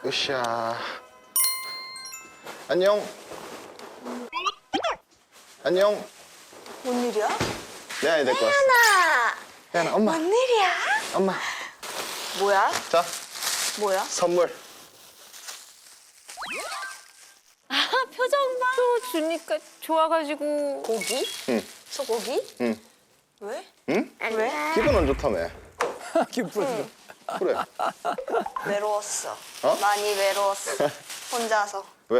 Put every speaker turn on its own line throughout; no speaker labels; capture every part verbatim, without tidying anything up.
으쌰. 안녕. 안녕.
뭔 일이야?
혜연이 데리고 왔어.
혜연아!
혜연아, 엄마.
뭔 일이야?
엄마.
뭐야?
자,
뭐야?
선물.
아, 표정 봐. 또 주니까 좋아가지고.
고기?
응.
소고기?
응.
왜?
응?
왜?
기분 안 좋다며.
기분.
그래.
외로웠어.
어?
많이 외로웠어. 혼자서.
왜?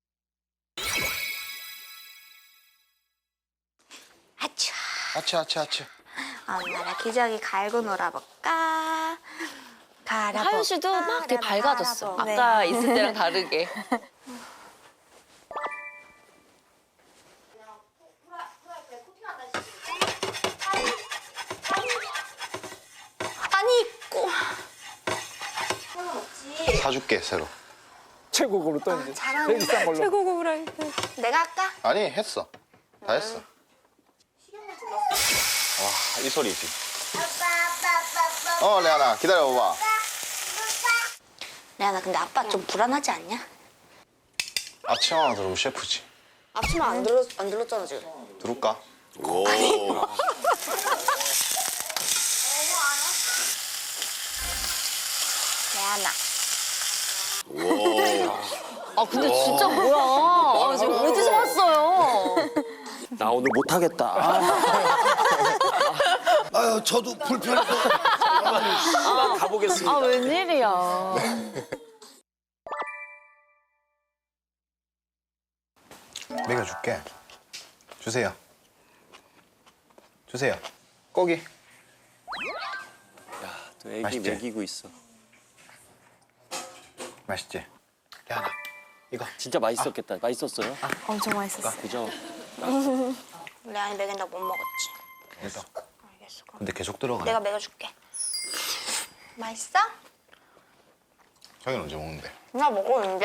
아차.
아치, 아치, 아치.
엄마랑 기저귀 갈고 놀아볼까? 갈아볼까?
하윤 씨도 막 되게
갈아봐,
밝아졌어.
갈아봐.
아까
네.
있을 때랑 다르게.
아니 있고.
사줄게, 새로.
최고급으로 또
아,
이제
잘하는데.
제일 비싼 걸로.
최고급으로 할때.
내가 할까?
아니, 했어. 다 했어. 와, 이 소리지. 어, 레아나, 기다려봐봐.
레아나 근데 아빠 좀 불안하지 않냐?
아침 하나 들으면 셰프지.
앞치마 안 들었 안 들었잖아 지금.
들을까?
오.
레아나.
아, 근데 진짜 뭐야. 아, 지금 어디서 왔어요?
나 오늘 못하겠다. 아유, 저도 불편해서. 시간 가보겠습니다.
아, 웬일이야.
먹여줄게. 주세요. 주세요. 고기.
또 애기
맛있지?
먹이고 있어.
맛있지? 레아나, 이거.
진짜 맛있었겠다. 맛있었어요?
엄청 맛있었어.
그죠?
레아니 먹인다고 못 먹었지.
이거.
알겠어. 그럼
근데 계속 들어가.
내가 먹여줄게. 맛있어?
자기는 언제 먹는데?
나 먹었는데.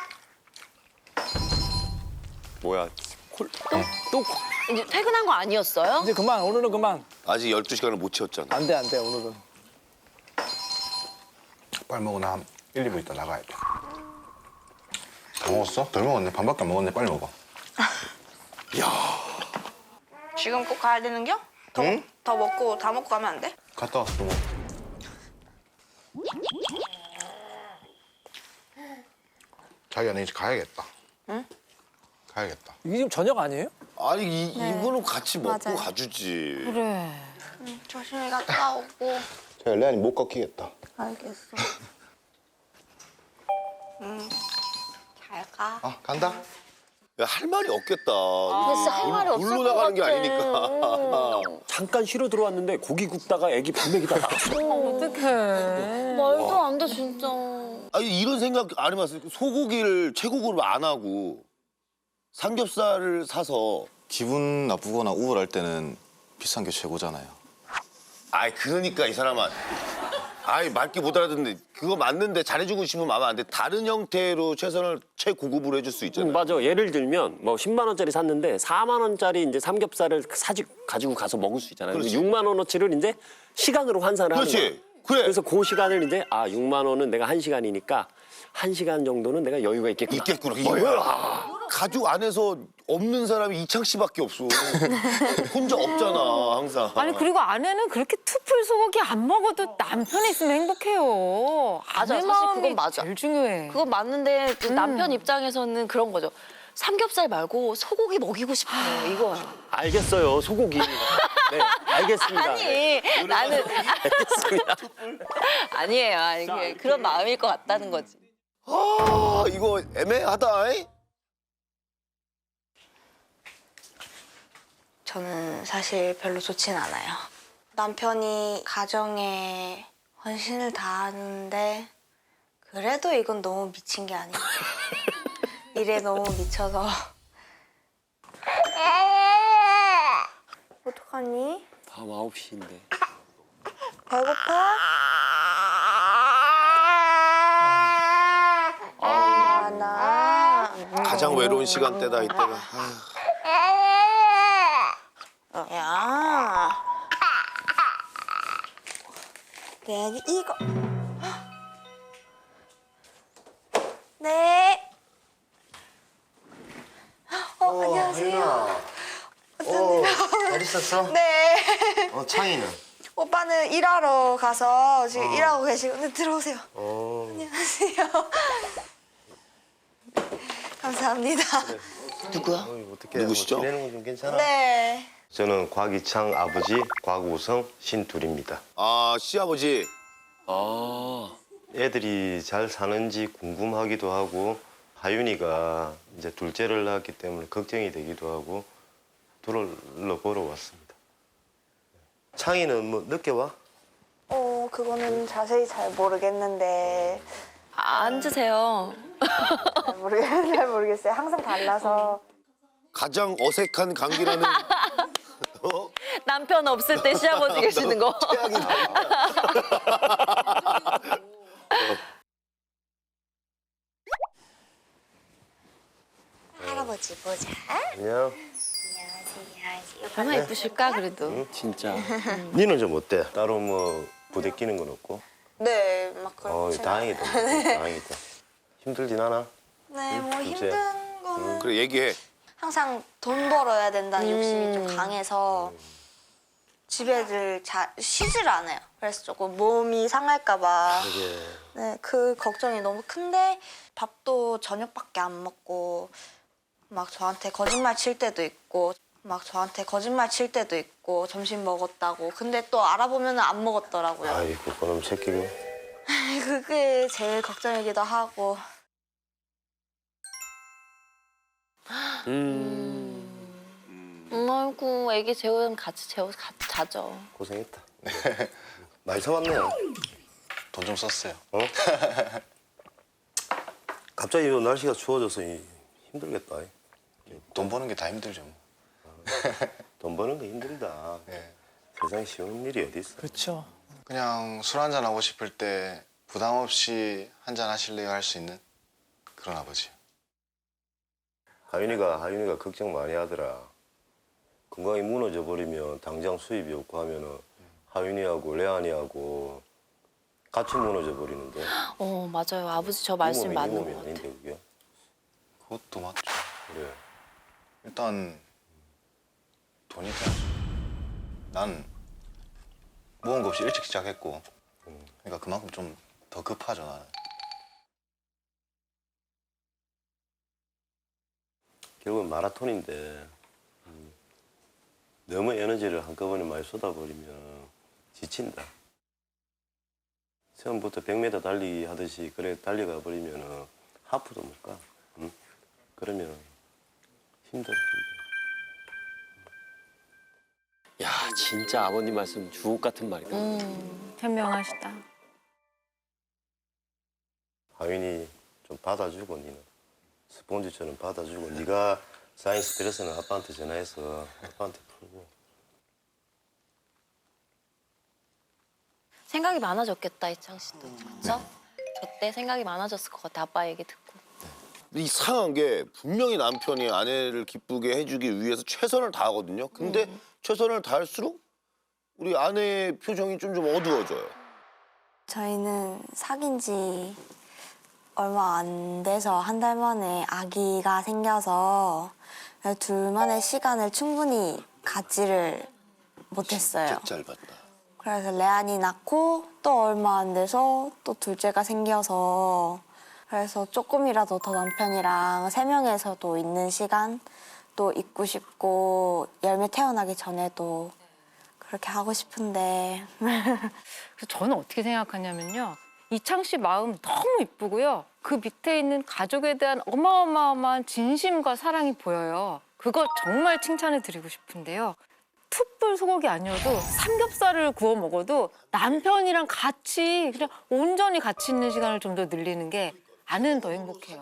뭐야? 콜? 또? 또? 콜?
이제 퇴근한 거 아니었어요?
이제 그만 오늘은 그만.
아직 열두 시간을 못 채웠잖아.
안 돼 안 돼 오늘은.
빨리 먹어. 나 한 일, 이 분 있다 나가야 돼. 다 먹었어? 덜 먹었네. 반밖에 안 먹었네. 빨리 먹어.
지금 꼭 가야 되는겨? 더,
응?
더 먹고 다 먹고 가면 안 돼?
갔다 와서 또 먹어. 자기야, 나 이제 가야겠다. 응? 가야겠다.
이게 지금 저녁 아니에요?
아니, 이, 이거는 같이 먹고
맞아요.
가주지.
그래.
응, 조심히 갔다 오고.
자기야, 레안이 못 꺾이겠다.
알겠어. 응. 잘 가.
아, 간다.
야, 할 말이 없겠다.
글쎄, 할 말이 없을
물로
것
나가는 게
같아.
아니니까. 잠깐 쉬러 들어왔는데 고기 굽다가 애기 밥 먹이다 나왔어.
어떡해. 말도 안 돼, 진짜.
아니, 이런 생각 안 해봤어요. 소고기를 최고급으로 안 하고 삼겹살을 사서.
기분 나쁘거나 우울할 때는 비싼 게 최고잖아요.
아이, 그러니까 이 사람아. 아이, 말귀 못 알아듣는데 그거 맞는데 잘해주고 싶으면 마음 안 돼. 다른 형태로 최선을 최고급으로 해줄 수 있잖아.
음, 맞아. 예를 들면 뭐 십만 원짜리 샀는데 사만 원짜리 이제 삼겹살을 사지 가지고 가서 먹을 수 있잖아요.
그렇지.
육만 원어치를 이제 시간으로 환산을 하는 거야.
그렇지. 그래.
그래서 그 시간을 이제 아 육만 원은 내가 한 시간이니까 한 시간 정도는 내가 여유가 있겠구나.
있겠구나. 이거야. 가족 안에서 없는 사람이 이창 씨밖에 없어. 혼자 없잖아, 항상.
아니 그리고 아내는 그렇게 투풀 소고기 안 먹어도 남편이 있으면 행복해요.
맞아,
아내
사실
마음이
그건 맞아.
제일 중요해.
그건 맞는데 그 남편 입장에서는 그런 거죠. 삼겹살 말고 소고기 먹이고 싶어요, 이거야.
알겠어요. 소고기. 네, 알겠습니다.
아니, 나는
알겠습니다.
아니에요. 아니, 그게 그런 마음일 것 같다는 거지.
아, 이거 애매하다. 이?
저는 사실 별로 좋진 않아요. 남편이 가정에 헌신을 다하는데 그래도 이건 너무 미친 게 아닌가. 일에 너무 미쳐서. 어떡하니?
밤 아홉 시인데.
배고파?
아,
나.
가장 외로운 시간대다, 이때가.
야. 내 이거. 네. 어, 안녕하세요.
어, 잘 있었어?
네.
어, 창이는?
오빠는 일하러 가서 지금 일하고 계시고. 네, 들어오세요.
어,
안녕하세요. 감사합니다.
누구야?
어이, 어떻게
누구시죠?
뭐 지내는 건 좀 괜찮아?
네.
저는 곽이창 아버지 곽우성 신둘입니다.
아 시아버지.
아.
애들이 잘 사는지 궁금하기도 하고 하윤이가 이제 둘째를 낳았기 때문에 걱정이 되기도 하고 둘러보러 왔습니다. 창이는 뭐 늦게 와?
어, 그거는 자세히 잘 모르겠는데.
앉으세요.
잘 모르겠, 잘 모르겠어요. 항상 달라서.
가장 어색한 관계라는 어?
남편 없을 때 시아버지 계시는 거.
할아버지 보자.
안녕.
안녕하세요.
얼마나 예쁘실까 그래도.
진짜.
니는 좀 어때? 따로 뭐 부대끼는 건 없고?
네, 막
어,
그렇지.
다행이다. 다행이다. 힘들진 않아?
네, 뭐
둘째.
힘든 거는
그래 얘기해.
항상 돈 벌어야 된다는 욕심이 좀
음.
강해서 집에들 잘 쉬질 않아요. 그래서 조금 몸이 상할까 봐.
이게
네, 그 걱정이 너무 큰데 밥도 저녁밖에 안 먹고 막 저한테 거짓말 칠 때도 있고 막 저한테 거짓말 칠 때도 있고 점심 먹었다고. 근데 또 알아보면 안 먹었더라고요.
아이고 그놈 새끼고.
그게 제일 걱정이기도 하고.
음.
음, 아이고 애기 재우면 같이 재워 같이 자죠.
고생했다. 많이 사왔네.
돈 좀 썼어요.
어? 갑자기 이 날씨가 추워져서 이- 힘들겠다.
돈 버는 게 다 힘들죠. 뭐.
돈 버는 거 힘들다.
예.
세상에 쉬운 일이 어디 있어?
그렇죠.
그냥 술 한잔 하고 싶을 때 부담 없이 한잔 하실래요 할 수 있는 그런 아버지.
하윤이가 하윤이가 걱정 많이 하더라. 건강이 무너져 버리면 당장 수입이 없고 하면은 하윤이하고 레안이하고 같이 무너져 버리는데.
어 맞아요. 아버지 저 말씀
이 몸이,
맞는
이 몸이
것
아닌데
같아요.
그게.
그것도 맞죠.
그래.
일단 돈이 돼야죠. 난 모은 거 없이 일찍 시작했고 그러니까 그만큼 좀 더 급하죠 나는.
결국은 마라톤인데 음, 너무 에너지를 한꺼번에 많이 쏟아버리면 지친다. 처음부터 백 미터 달리기 하듯이 그래 달려가 버리면 하프도 못 가. 응? 그러면 힘들어. 힘들어.
야 진짜 아버님 말씀 주옥 같은 말이다.
음.
현명하시다.
하윤이 좀 받아주고 니는 스폰지처럼 받아주고 네가 쌓인 스트레스는 아빠한테 전화해서 아빠한테 풀고.
생각이 많아졌겠다 이창 씨도. 그렇죠? 저 때 생각이 많아졌을 것 같아. 아빠 얘기 듣고.
이상한 게 분명히 남편이 아내를 기쁘게 해주기 위해서 최선을 다하거든요. 근데
음.
최선을 다할수록 우리 아내의 표정이 좀 좀 어두워져요.
저희는 사귄 지 얼마 안 돼서 한 달 만에 아기가 생겨서 둘만의 시간을 충분히 갖지를 못했어요.
짧았다.
그래서 레안이 낳고 또 얼마 안 돼서 또 둘째가 생겨서 그래서 조금이라도 더 남편이랑 세 명에서도 있는 시간 또 있고 싶고 열매 태어나기 전에도 그렇게 하고 싶은데
그래서 저는 어떻게 생각하냐면요. 이창 씨 마음 너무 이쁘고요. 그 밑에 있는 가족에 대한 어마어마한 진심과 사랑이 보여요. 그거 정말 칭찬해 드리고 싶은데요. 툭불 소고기 아니어도 삼겹살을 구워 먹어도 남편이랑 같이 그냥 온전히 같이 있는 시간을 좀 더 늘리는 게 아내는 더 행복해요.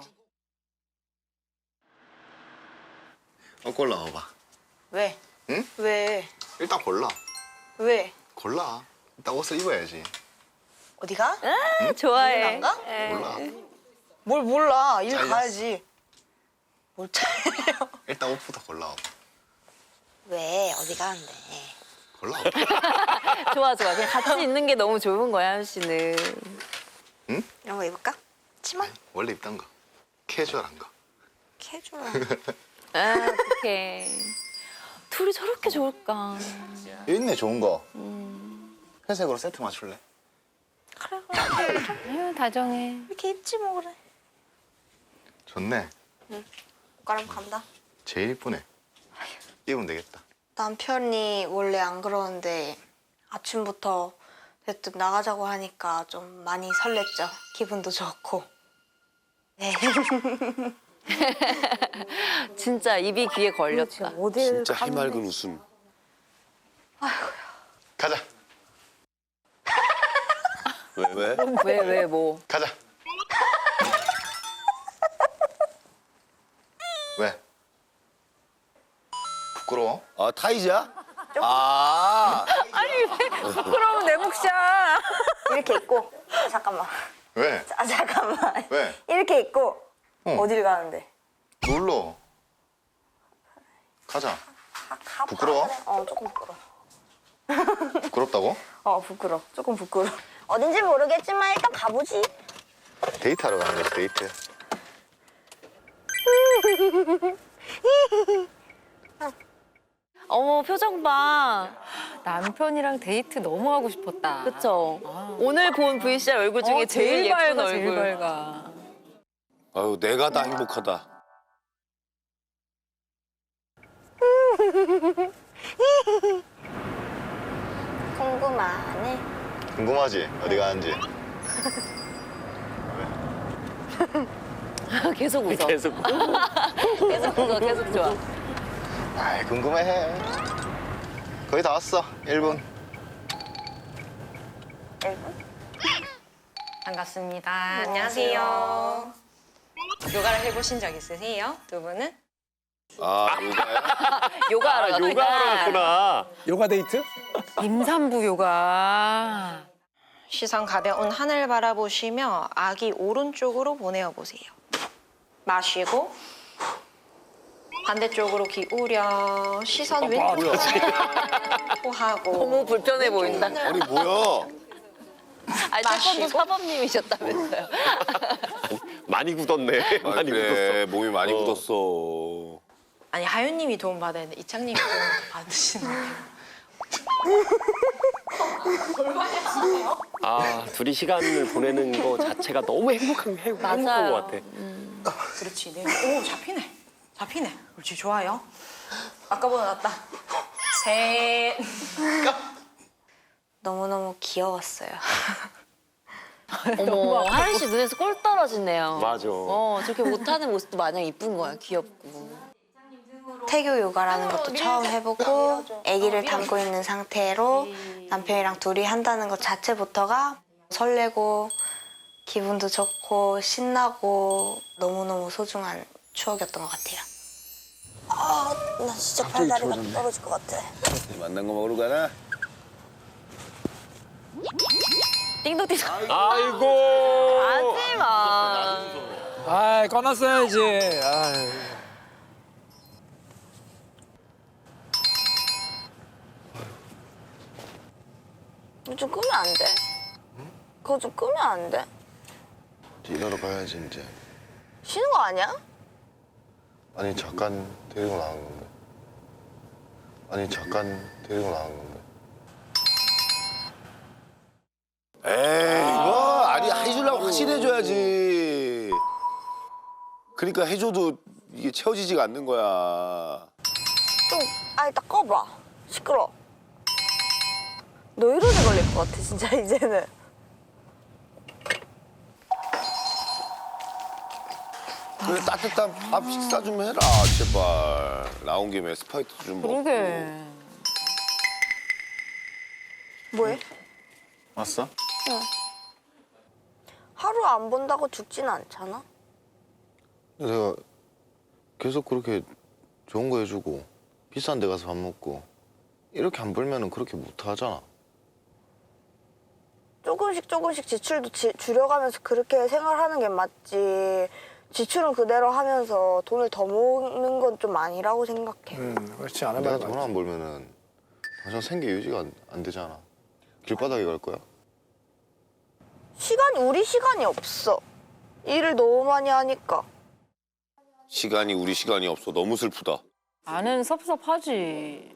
어, 골라봐봐.
왜?
응?
왜?
일단 골라.
왜?
골라. 일단 옷을 입어야지.
어디가?
좋아해.
안 가?
몰라.
뭘 몰라. 일
잘렸어.
가야지. 뭘 잘려.
일단 옷부터 골라봐.
왜? 어디 가는데?
골라봐.
좋아 좋아. 그냥 같이 있는 게 너무 좋은 거야 하윤 씨는.
이런 거 입을까? 치마?
원래 입던 거. 캐주얼한 거.
캐주얼.
아, 어떡해. 둘이 저렇게 좋을까.
여기 있네 좋은 거. 회색으로 세트 맞출래?
아유, 다정해.
이렇게 입지 뭐 그래.
좋네.
그럼 간다.
제일 이쁘네. 입으면 되겠다.
남편이 원래 안 그러는데 아침부터 대뜸 나가자고 하니까 좀 많이 설렜죠. 기분도 좋고. 네.
진짜 입이 귀에 걸렸다.
어딜
진짜 해맑은 웃음.
가자.
왜 왜?
왜, 왜, 뭐.
가자. 왜? 부끄러워?
아 타이자? 아
부끄러운 내 몫이야.
이렇게 입고 잠깐만.
왜?
아 잠깐만.
왜?
이렇게 입고
어.
어딜 가는데?
놀러. 가자.
가, 가,
부끄러워?
그래. 어 조금 부끄러워.
부끄럽다고?
어 부끄러워. 조금 부끄러워. 어딘지 모르겠지만 일단 가보지.
데이트하러 가는 거지 데이트.
어머, 표정 봐.
남편이랑 데이트 너무 하고 싶었다.
그쵸? 오늘 본 브이씨알 얼굴 중에
어,
제일, 예쁜
밝아,
얼굴.
제일 밝아.
아유 내가 다 행복하다.
궁금하네.
궁금하지? 어디 가는지.
계속 웃어.
계속.
계속 웃어, 계속 좋아.
아이 궁금해해. 거의 다 왔어. 일 분.
반갑습니다. 안녕하세요. 요가를 해보신 적 있으세요? 두 분은?
아 요가야?
요가하러
아,
갔다.
요가하러 갔구나.
요가 데이트?
임산부 요가.
시선 가벼운 하늘 바라보시며 아기 오른쪽으로 보내어 보세요. 마시고 반대쪽으로 기울여 시선 왼쪽으로 호하고
너무 불편해 보인다.
아니 뭐야?
아니, 태권도 사범님이셨다면서요.
많이 굳었네.
아,
많이
그래
굳었어.
몸이 많이
어.
굳었어.
아니 하윤님이 도움 받아야 되는데 이창님이 도움 받으시는 거예요.
아, 둘이 시간을 보내는 거 자체가 너무 행복한, 행복한
맞아요.
것 같아.
그렇지. 네. 오 잡히네. 잡히네. 그렇지 좋아요. 아까보다 낫다. 셋.
너무너무 귀여웠어요.
어머, 하윤 씨 눈에서 꿀 떨어지네요.
맞아.
어, 저렇게 못하는 모습도 마냥 이쁜 거야, 귀엽고.
태교 요가라는 것도 처음 해보고 아기를 담고 있는 상태로 남편이랑 둘이 한다는 것 자체부터가 설레고 기분도 좋고 신나고 너무너무 소중한 추억이었던 것 같아요. 아, 나 진짜 팔다리가 떨어질 것 같아.
만난 거 먹으러 가나?
띵동띵동.
아이고.
하지 마.
아, 꺼놨어야지. 아유.
이거 좀 끄면 안 돼? 그거 좀 끄면 안 돼?
일하러 가야지 이제.
쉬는 거 아니야?
아니 잠깐 데리고 나간 건데. 아니 잠깐 데리고 나간 건데.
에이 이거 아니 해주려고 확실히 해줘야지. 그러니까 해줘도 이게 채워지지가 않는 거야.
좀, 아, 이따 꺼봐. 시끄러. 노이로제 걸릴 것 같아, 진짜, 이제는.
그래 따뜻한 밥 식사 좀 해라 제발. 나온 김에 스파이트 좀 먹고.
그러게.
뭐해?
왔어?
하루 안 본다고 죽지는 않잖아?
내가 계속 그렇게 좋은 거 해주고 비싼 데 가서 밥 먹고 이렇게 안 벌면은 그렇게 못 하잖아.
조금씩 조금씩 지출도 지- 줄여가면서 그렇게 생활하는 게 맞지. 지출은 그대로 하면서 돈을 더 모으는 건 좀 아니라고 생각해.
음, 그렇지 않아
내가
봐도
돈 안 벌면은 당장 생계 유지가 안, 안 되잖아. 길바닥에 갈 거야?
시간이, 우리 시간이 없어. 일을 너무 많이 하니까.
시간이 우리 시간이 없어. 너무 슬프다.
아는 섭섭하지.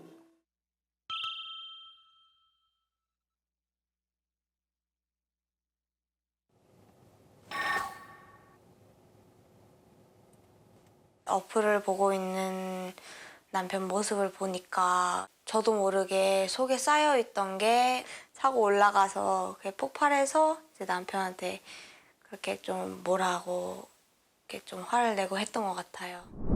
어플을 보고 있는 남편 모습을 보니까 저도 모르게 속에 쌓여있던 게 사고 올라가서 그게 폭발해서 이제 남편한테 그렇게 좀 뭐라고 이렇게 좀 화를 내고 했던 것 같아요.